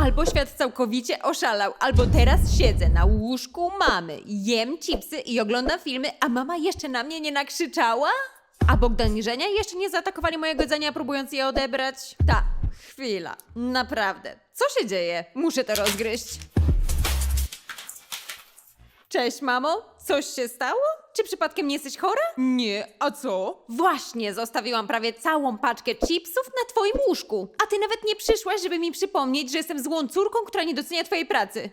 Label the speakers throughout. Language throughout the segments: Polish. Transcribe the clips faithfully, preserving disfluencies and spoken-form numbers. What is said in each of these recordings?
Speaker 1: Albo świat całkowicie oszalał, albo teraz siedzę na łóżku mamy, jem chipsy i oglądam filmy, a mama jeszcze na mnie nie nakrzyczała? A Bogdan i Żenia jeszcze nie zaatakowali mojego jedzenia, próbując je odebrać? Ta, chwila, naprawdę. Co się dzieje? Muszę to rozgryźć. Cześć, mamo. Coś się stało? Czy przypadkiem nie jesteś chora? Nie, a co? Właśnie, zostawiłam prawie całą paczkę chipsów na twoim łóżku. A ty nawet nie przyszłaś, żeby mi przypomnieć, że jestem złą córką, która nie docenia twojej pracy.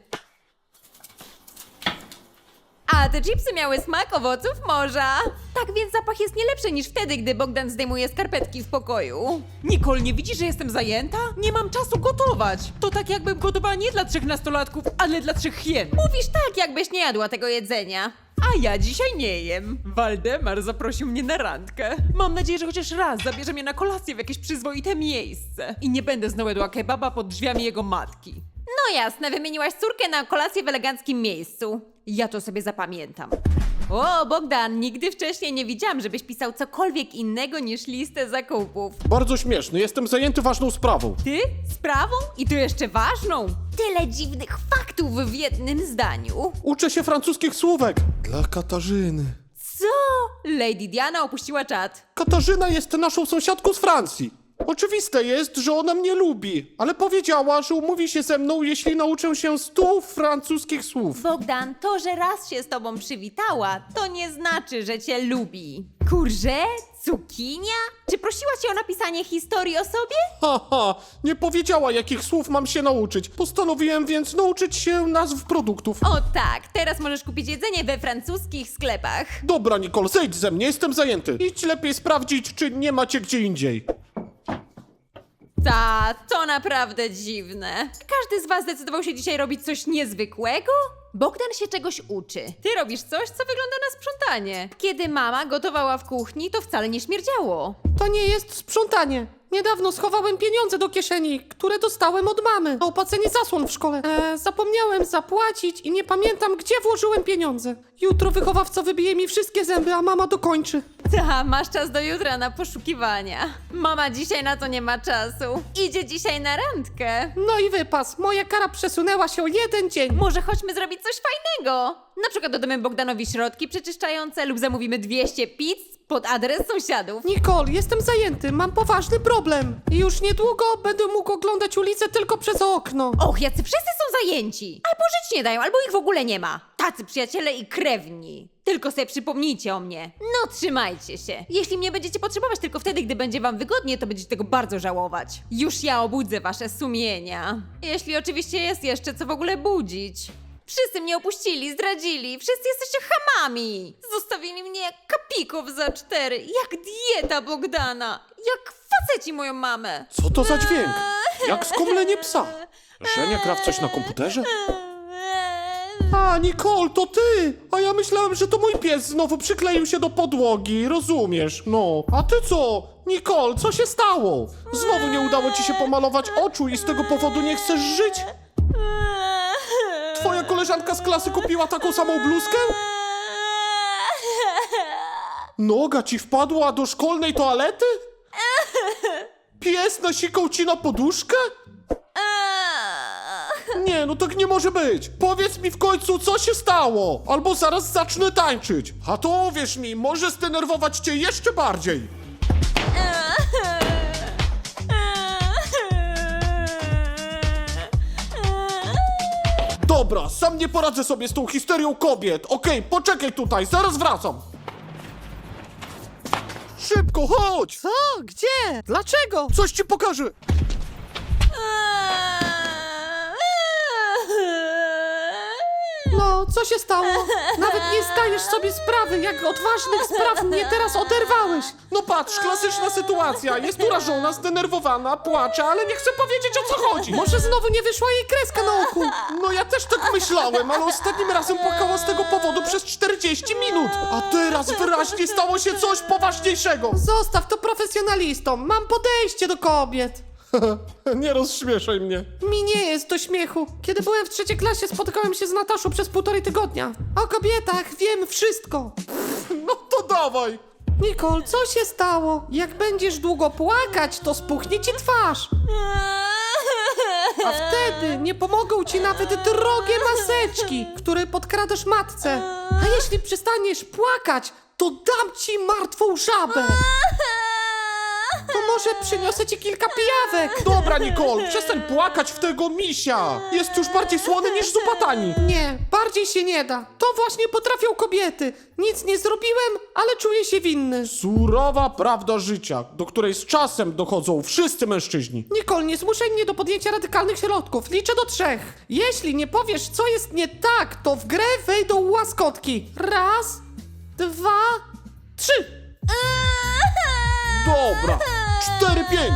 Speaker 1: A te chipsy miały smak owoców morza. Tak więc zapach jest nie lepszy niż wtedy, gdy Bogdan zdejmuje skarpetki w pokoju.
Speaker 2: Nicole, nie widzisz, że jestem zajęta? Nie mam czasu gotować. To tak jakbym gotowała nie dla trzech nastolatków, ale dla trzech hien.
Speaker 1: Mówisz tak, jakbyś nie jadła tego jedzenia.
Speaker 2: A ja dzisiaj nie jem. Waldemar zaprosił mnie na randkę. Mam nadzieję, że chociaż raz zabierze mnie na kolację w jakieś przyzwoite miejsce. I nie będę znowu jadła kebaba pod drzwiami jego matki.
Speaker 1: No jasne, wymieniłaś córkę na kolację w eleganckim miejscu. Ja to sobie zapamiętam. O, Bogdan, nigdy wcześniej nie widziałam, żebyś pisał cokolwiek innego niż listę zakupów.
Speaker 3: Bardzo śmieszny, jestem zajęty ważną sprawą.
Speaker 1: Ty? Sprawą? I to jeszcze ważną? Tyle dziwnych faktów w jednym zdaniu.
Speaker 3: Uczę się francuskich słówek. Dla Katarzyny.
Speaker 1: Co? Lady Diana opuściła czat.
Speaker 3: Katarzyna jest naszą sąsiadką z Francji. Oczywiste jest, że ona mnie lubi, ale powiedziała, że umówi się ze mną, jeśli nauczę się stu francuskich słów.
Speaker 1: Bogdan, to, że raz się z tobą przywitała, to nie znaczy, że cię lubi. Kurze? Cukinia? Czy prosiła cię o napisanie historii o sobie?
Speaker 3: Haha, nie powiedziała, jakich słów mam się nauczyć. Postanowiłem więc nauczyć się nazw produktów.
Speaker 1: O tak, teraz możesz kupić jedzenie we francuskich sklepach.
Speaker 3: Dobra, Nicole, zejdź ze mnie, jestem zajęty. Idź lepiej sprawdzić, czy nie macie gdzie indziej.
Speaker 1: Ta, to naprawdę dziwne. Każdy z was zdecydował się dzisiaj robić coś niezwykłego? Bogdan się czegoś uczy. Ty robisz coś, co wygląda na sprzątanie. Kiedy mama gotowała w kuchni, to wcale nie śmierdziało.
Speaker 4: To nie jest sprzątanie. Niedawno schowałem pieniądze do kieszeni, które dostałem od mamy na opłacenie zasłon w szkole. E, zapomniałem zapłacić i nie pamiętam, gdzie włożyłem pieniądze. Jutro wychowawca wybije mi wszystkie zęby, a mama dokończy.
Speaker 1: Ta, masz czas do jutra na poszukiwania. Mama dzisiaj na to nie ma czasu. Idzie dzisiaj na randkę.
Speaker 4: No i wypas, moja kara przesunęła się o jeden dzień.
Speaker 1: Może chodźmy zrobić coś fajnego. Na przykład dodamy Bogdanowi środki przeczyszczające lub zamówimy dwieście pizz pod adres sąsiadów.
Speaker 4: Nicole, jestem zajęty, mam poważny problem. I już niedługo będę mógł oglądać ulicę tylko przez okno.
Speaker 1: Och, jacy wszyscy są zajęci. Albo żyć nie dają, albo ich w ogóle nie ma. Tacy przyjaciele i krewni. Tylko sobie przypomnijcie o mnie. No trzymajcie się. Jeśli mnie będziecie potrzebować tylko wtedy, gdy będzie wam wygodnie, to będziecie tego bardzo żałować. Już ja obudzę wasze sumienia. Jeśli oczywiście jest jeszcze co w ogóle budzić. Wszyscy mnie opuścili, zdradzili. Wszyscy jesteście chamami. Zostawili mnie jak kapików za cztery. Jak dieta Bogdana. Jak faceci moją mamę.
Speaker 3: Co to za dźwięk? Jak skomlenie psa. Żenia gra w coś na komputerze? A, Nicole, to ty! A ja myślałem, że to mój pies znowu przykleił się do podłogi, rozumiesz? No, a ty co? Nicole, co się stało? Znowu nie udało ci się pomalować oczu i z tego powodu nie chcesz żyć? Twoja koleżanka z klasy kupiła taką samą bluzkę? Noga ci wpadła do szkolnej toalety? Pies nasikał ci na poduszkę? Nie, no tak nie może być. Powiedz mi w końcu, co się stało, albo zaraz zacznę tańczyć. A to uwierz mi, może zdenerwować cię jeszcze bardziej. Dobra, sam nie poradzę sobie z tą histerią kobiet. Okej, poczekaj tutaj, zaraz wracam. Szybko, chodź!
Speaker 4: Co? Gdzie? Dlaczego?
Speaker 3: Coś ci pokażę.
Speaker 4: No, co się stało? Nawet nie zdajesz sobie sprawy, jak od ważnych spraw mnie teraz oderwałeś.
Speaker 3: No patrz, klasyczna sytuacja. Jest urażona, zdenerwowana, płacze, ale nie chce powiedzieć, o co chodzi.
Speaker 4: Może znowu nie wyszła jej kreska na oku.
Speaker 3: No ja też tak myślałem, ale ostatnim razem płakała z tego powodu przez czterdzieści minut. A teraz wyraźnie stało się coś poważniejszego.
Speaker 4: Zostaw to profesjonalistom, mam podejście do kobiet.
Speaker 3: Nie rozśmieszaj mnie.
Speaker 4: Mi nie jest do śmiechu. Kiedy byłem w trzeciej klasie, spotkałem się z Nataszą przez półtorej tygodnia. O kobietach wiem wszystko.
Speaker 3: No to dawaj.
Speaker 4: Nicole, co się stało? Jak będziesz długo płakać, to spuchnie ci twarz. A wtedy nie pomogą ci nawet drogie maseczki, które podkradasz matce. A jeśli przestaniesz płakać, to dam ci martwą żabę. To może przyniosę ci kilka pijawek.
Speaker 3: Dobra, Nicole, przestań płakać w tego misia. Jest już bardziej słony niż zupa tani.
Speaker 4: Nie, bardziej się nie da. To właśnie potrafią kobiety. Nic nie zrobiłem, ale czuję się winny.
Speaker 3: Surowa prawda życia, do której z czasem dochodzą wszyscy mężczyźni.
Speaker 4: Nicole, nie zmuszaj mnie do podjęcia radykalnych środków. Liczę do trzech. Jeśli nie powiesz, co jest nie tak, to w grę wejdą łaskotki. Raz, dwa, trzy.
Speaker 3: Dobra, cztery, pięć.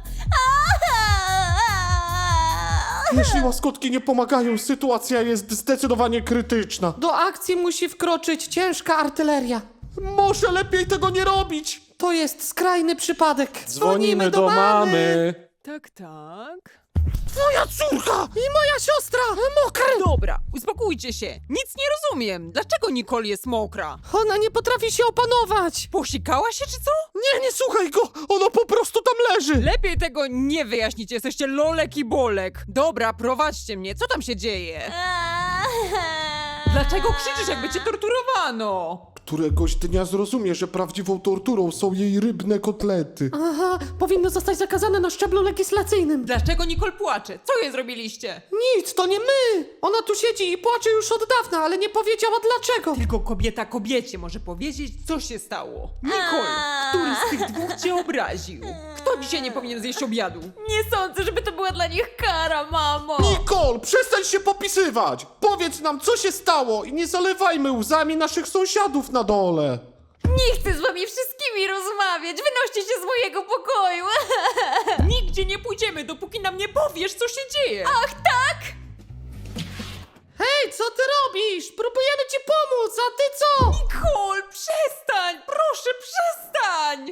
Speaker 3: Jeśli łaskotki nie pomagają, sytuacja jest zdecydowanie krytyczna.
Speaker 4: Do akcji musi wkroczyć ciężka artyleria.
Speaker 3: Może lepiej tego nie robić.
Speaker 4: To jest skrajny przypadek.
Speaker 2: Tak, tak.
Speaker 3: Twoja córka!
Speaker 4: I moja siostra! Mokra!
Speaker 2: Dobra, uspokójcie się. Nic nie rozumiem. Dlaczego Nicole jest mokra?
Speaker 4: Ona nie potrafi się opanować.
Speaker 2: Posikała się czy co?
Speaker 3: Nie, nie słuchaj go! Ona po prostu tam leży!
Speaker 2: Lepiej tego nie wyjaśnicie. Jesteście lolek i bolek. Dobra, prowadźcie mnie. Co tam się dzieje? Dlaczego krzyczysz, jakby cię torturowano?
Speaker 3: Któregoś dnia zrozumie, że prawdziwą torturą są jej rybne kotlety.
Speaker 4: Aha, powinno zostać zakazane na szczeblu legislacyjnym.
Speaker 2: Dlaczego Nicole płacze? Co jej zrobiliście?
Speaker 4: Nic, to nie my! Ona tu siedzi i płacze już od dawna, ale nie powiedziała dlaczego.
Speaker 2: Tylko kobieta kobiecie może powiedzieć, co się stało. Nicole, który z tych dwóch cię obraził? Kto dzisiaj nie powinien zjeść obiadu?
Speaker 1: Nie sądzę, żeby to była dla nich kara, mamo!
Speaker 3: Nicole, przestań się popisywać! Powiedz nam, co się stało i nie zalewajmy łzami naszych sąsiadów na dole.
Speaker 1: Nie chcę z wami wszystkimi rozmawiać! Wynoście się z mojego pokoju!
Speaker 2: Nigdzie nie pójdziemy, dopóki nam nie powiesz, co się dzieje.
Speaker 1: Ach, tak!
Speaker 4: Hej, co ty robisz? Próbujemy ci pomóc, a ty co?
Speaker 2: Nicole, przestań! Proszę, przestań!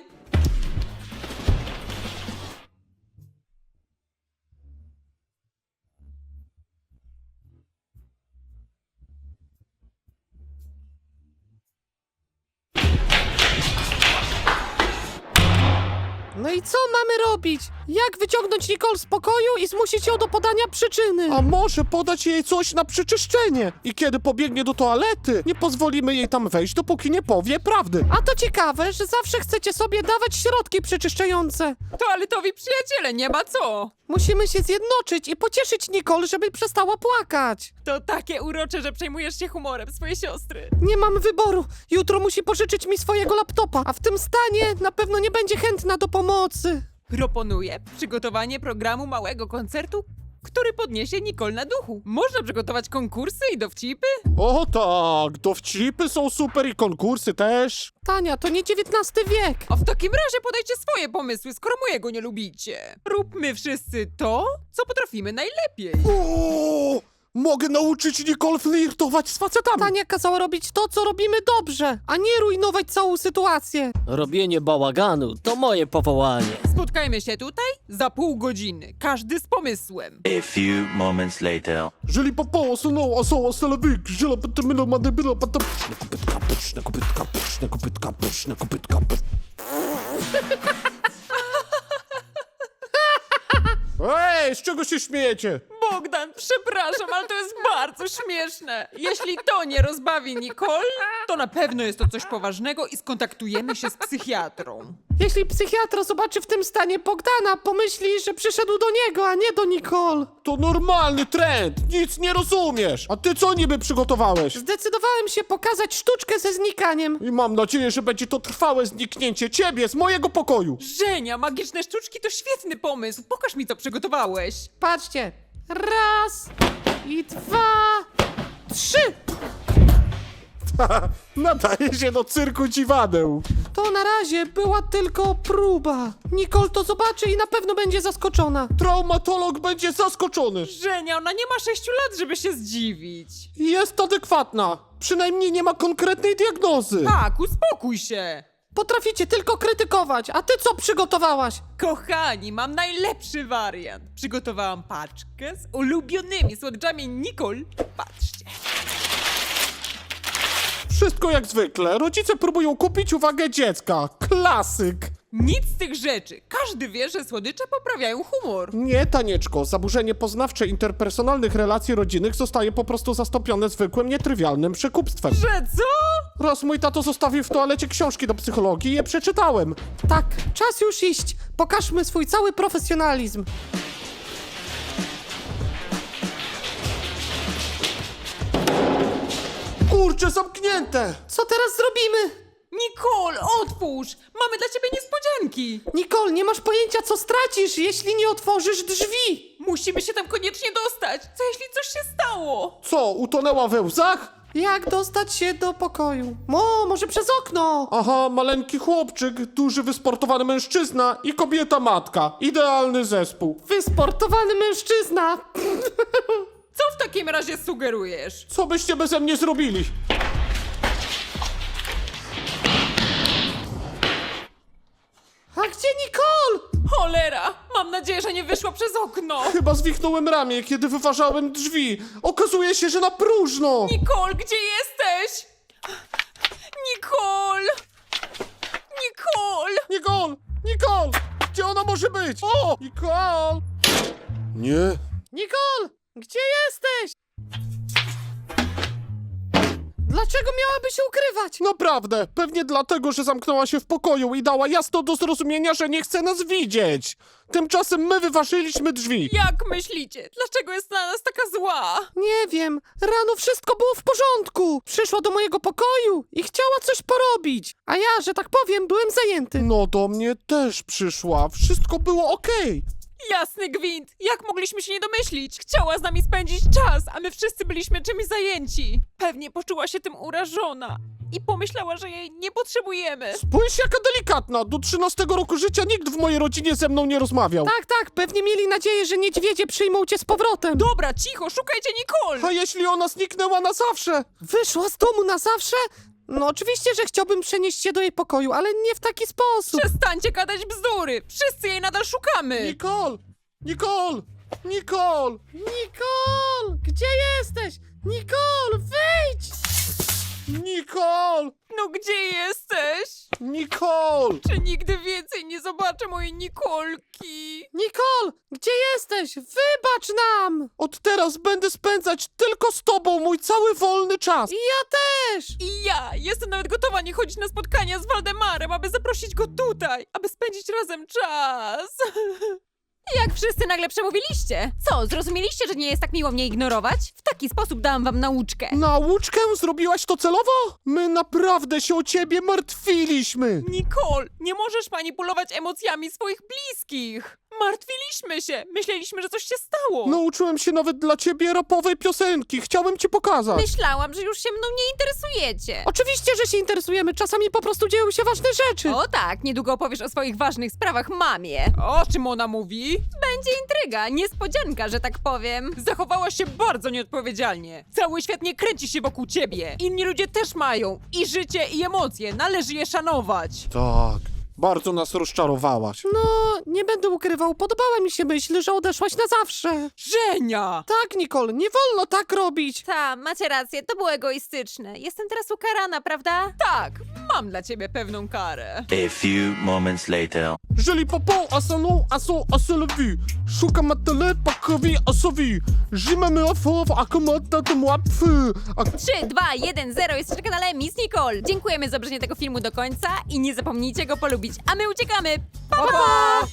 Speaker 4: No i co mamy robić? Jak wyciągnąć Nicole z pokoju i zmusić ją do podania przyczyny?
Speaker 3: A może podać jej coś na przeczyszczenie? I kiedy pobiegnie do toalety, nie pozwolimy jej tam wejść, dopóki nie powie prawdy.
Speaker 4: A to ciekawe, że zawsze chcecie sobie dawać środki przeczyszczające.
Speaker 2: Toaletowi przyjaciele, nie ma co.
Speaker 4: Musimy się zjednoczyć i pocieszyć Nicole, żeby przestała płakać.
Speaker 2: To takie urocze, że przejmujesz się humorem swojej siostry.
Speaker 4: Nie mam wyboru. Jutro musi pożyczyć mi swojego laptopa, a w tym stanie na pewno nie będzie chętna do pomocy.
Speaker 2: Proponuję przygotowanie programu małego koncertu, który podniesie Nicole na duchu. Można przygotować konkursy i dowcipy?
Speaker 3: O tak, dowcipy są super i konkursy też.
Speaker 4: Tania, to nie dziewiętnasty wiek.
Speaker 2: A w takim razie podajcie swoje pomysły, skoro mojego nie lubicie. Róbmy wszyscy to, co potrafimy najlepiej.
Speaker 3: O, mogę nauczyć Nicole flirtować z facetami.
Speaker 4: Tania kazała robić to, co robimy dobrze, a nie rujnować całą sytuację.
Speaker 5: Robienie bałaganu to moje powołanie.
Speaker 2: Spotkajmy się tutaj za pół godziny, każdy z pomysłem.
Speaker 6: A few moments later.
Speaker 3: Jeżeli popoło sunął, a są ostelewyk, źle potemino, madebilo, patam... Na kopytka, psz, na kopytka, psz, na kopytka, psz, na kopytka, psz. Ej, z czego się śmiejecie?
Speaker 2: Bogdan, przepraszam, ale to jest bardzo śmieszne. Jeśli to nie rozbawi Nicole, to na pewno jest to coś poważnego i skontaktujemy się z psychiatrą.
Speaker 4: Jeśli psychiatra zobaczy w tym stanie Bogdana, pomyśli, że przyszedł do niego, a nie do Nicole.
Speaker 3: To normalny trend, nic nie rozumiesz. A ty co niby przygotowałeś?
Speaker 4: Zdecydowałem się pokazać sztuczkę ze znikaniem.
Speaker 3: I mam nadzieję, że będzie to trwałe zniknięcie ciebie z mojego pokoju.
Speaker 2: Żenia, magiczne sztuczki to świetny pomysł. Pokaż mi, co przygotowałeś.
Speaker 4: Patrzcie. Raz i dwa, trzy.
Speaker 3: Nadaje się do cyrku dziwadeł.
Speaker 4: To na razie była tylko próba. Nicole to zobaczy i na pewno będzie zaskoczona.
Speaker 3: Traumatolog będzie zaskoczony.
Speaker 2: Żenia, ona nie ma sześciu lat, żeby się zdziwić.
Speaker 3: Jest adekwatna. Przynajmniej nie ma konkretnej diagnozy.
Speaker 2: Tak, uspokój się.
Speaker 4: Potraficie tylko krytykować, a ty co przygotowałaś?
Speaker 2: Kochani, mam najlepszy wariant. Przygotowałam paczkę z ulubionymi słodyczami Nicole. Patrzcie.
Speaker 3: Wszystko jak zwykle. Rodzice próbują kupić uwagę dziecka. Klasyk.
Speaker 2: Nic z tych rzeczy. Każdy wie, że słodycze poprawiają humor.
Speaker 3: Nie, Tanieczko, zaburzenie poznawcze interpersonalnych relacji rodzinnych zostaje po prostu zastąpione zwykłym, nietrywialnym przekupstwem.
Speaker 2: Że co?
Speaker 3: Raz mój tato zostawił w toalecie książki do psychologii i je przeczytałem.
Speaker 4: Tak, czas już iść. Pokażmy swój cały profesjonalizm.
Speaker 3: Kurczę, zamknięte!
Speaker 4: Co teraz zrobimy?
Speaker 2: Nicole, otwórz! Mamy dla ciebie niespodzianki!
Speaker 4: Nicole, nie masz pojęcia, co stracisz, jeśli nie otworzysz drzwi.
Speaker 2: Musimy się tam koniecznie dostać! Co jeśli coś się stało?
Speaker 3: Co, utonęła we łzach?
Speaker 4: Jak dostać się do pokoju? Mo, może przez okno?
Speaker 3: Aha, maleńki chłopczyk, duży wysportowany mężczyzna i kobieta matka. Idealny zespół.
Speaker 4: Wysportowany mężczyzna.
Speaker 2: Co w takim razie sugerujesz?
Speaker 3: Co byście beze mnie zrobili?
Speaker 4: A gdzie Nicole?
Speaker 2: Cholera! Mam nadzieję, że nie wyszła przez okno!
Speaker 3: Chyba zwichnąłem ramię, kiedy wyważałem drzwi. Okazuje się, że na próżno.
Speaker 2: Nicole, gdzie jesteś? Nicole! Nicole!
Speaker 3: Nicole! Nicole! Gdzie ona może być? O! Nicole! Nie.
Speaker 4: Nicole, gdzie jesteś? Dlaczego miałaby się ukrywać?
Speaker 3: Naprawdę, pewnie dlatego, że zamknęła się w pokoju i dała jasno do zrozumienia, że nie chce nas widzieć. Tymczasem my wyważyliśmy drzwi.
Speaker 2: Jak myślicie? Dlaczego jest na nas taka zła?
Speaker 4: Nie wiem, rano wszystko było w porządku. Przyszła do mojego pokoju i chciała coś porobić. A ja, że tak powiem, byłem zajęty.
Speaker 3: No do mnie też przyszła. Wszystko było okej.
Speaker 2: Jasny gwint! Jak mogliśmy się nie domyślić? Chciała z nami spędzić czas, a my wszyscy byliśmy czymś zajęci. Pewnie poczuła się tym urażona i pomyślała, że jej nie potrzebujemy.
Speaker 3: Spójrz jaka delikatna. Do trzynastego roku życia nikt w mojej rodzinie ze mną nie rozmawiał.
Speaker 4: Tak, tak, pewnie mieli nadzieję, że niedźwiedzie przyjmą cię z powrotem.
Speaker 2: Dobra, cicho, szukajcie Nicole!
Speaker 3: A jeśli ona zniknęła na zawsze?
Speaker 4: Wyszła z domu na zawsze? No oczywiście, że chciałbym przenieść się do jej pokoju, ale nie w taki sposób.
Speaker 2: Przestańcie gadać bzdury! Wszyscy jej nadal szukamy!
Speaker 3: Nicole! Nicole! Nicole!
Speaker 4: Nicole, gdzie jesteś? Nicole, wyjdź!
Speaker 3: Nicole!
Speaker 2: No gdzie jesteś?
Speaker 3: Nicole!
Speaker 2: Czy nigdy więcej nie zobaczę mojej Nikolki?
Speaker 4: Nicole, gdzie jesteś? Wybacz nam!
Speaker 3: Od teraz będę spędzać tylko z tobą mój cały wolny czas.
Speaker 4: I ja też!
Speaker 2: I ja jestem nawet gotowa nie chodzić na spotkania z Waldemarem, aby zaprosić go tutaj, aby spędzić razem czas.
Speaker 1: Jak wszyscy nagle przemówiliście? Co, zrozumieliście, że nie jest tak miło mnie ignorować? W taki sposób dałam wam nauczkę.
Speaker 3: Nauczkę? Zrobiłaś to celowo? My naprawdę się o ciebie martwiliśmy.
Speaker 2: Nicole, nie możesz manipulować emocjami swoich bliskich. Martwiliśmy się, myśleliśmy, że coś się stało.
Speaker 3: Nauczyłem się nawet dla ciebie rapowej piosenki. Chciałem ci pokazać.
Speaker 1: Myślałam, że już się mną nie interesujecie.
Speaker 4: Oczywiście, że się interesujemy, czasami po prostu dzieją się ważne rzeczy.
Speaker 1: O tak, niedługo opowiesz o swoich ważnych sprawach mamie.
Speaker 2: O czym ona mówi?
Speaker 1: Będzie intryga, niespodzianka, że tak powiem.
Speaker 2: Zachowałaś się bardzo nieodpowiedzialnie. Cały świat nie kręci się wokół ciebie. Inni ludzie też mają i życie, i emocje. Należy je szanować.
Speaker 3: Tak, bardzo nas rozczarowałaś.
Speaker 4: No, nie będę ukrywał, podobała mi się myśl, że odeszłaś na zawsze.
Speaker 2: Żenia!
Speaker 4: Tak, Nicole, nie wolno tak robić.
Speaker 1: Ta, macie rację, to było egoistyczne. Jestem teraz ukarana, prawda?
Speaker 2: Tak, mam dla ciebie pewną karę.
Speaker 6: A few moments later.
Speaker 3: Je lis papa à son nom, à son, à son levu. Szukam tyle pokowi osowi. Rzymemy ofow, a komata to łapy. A
Speaker 1: trzy, dwa, jeden, zero, jesteście na kanale Miss Nicole. Dziękujemy za obejrzenie tego filmu do końca i nie zapomnijcie go polubić. A my uciekamy. Pa, pa! pa!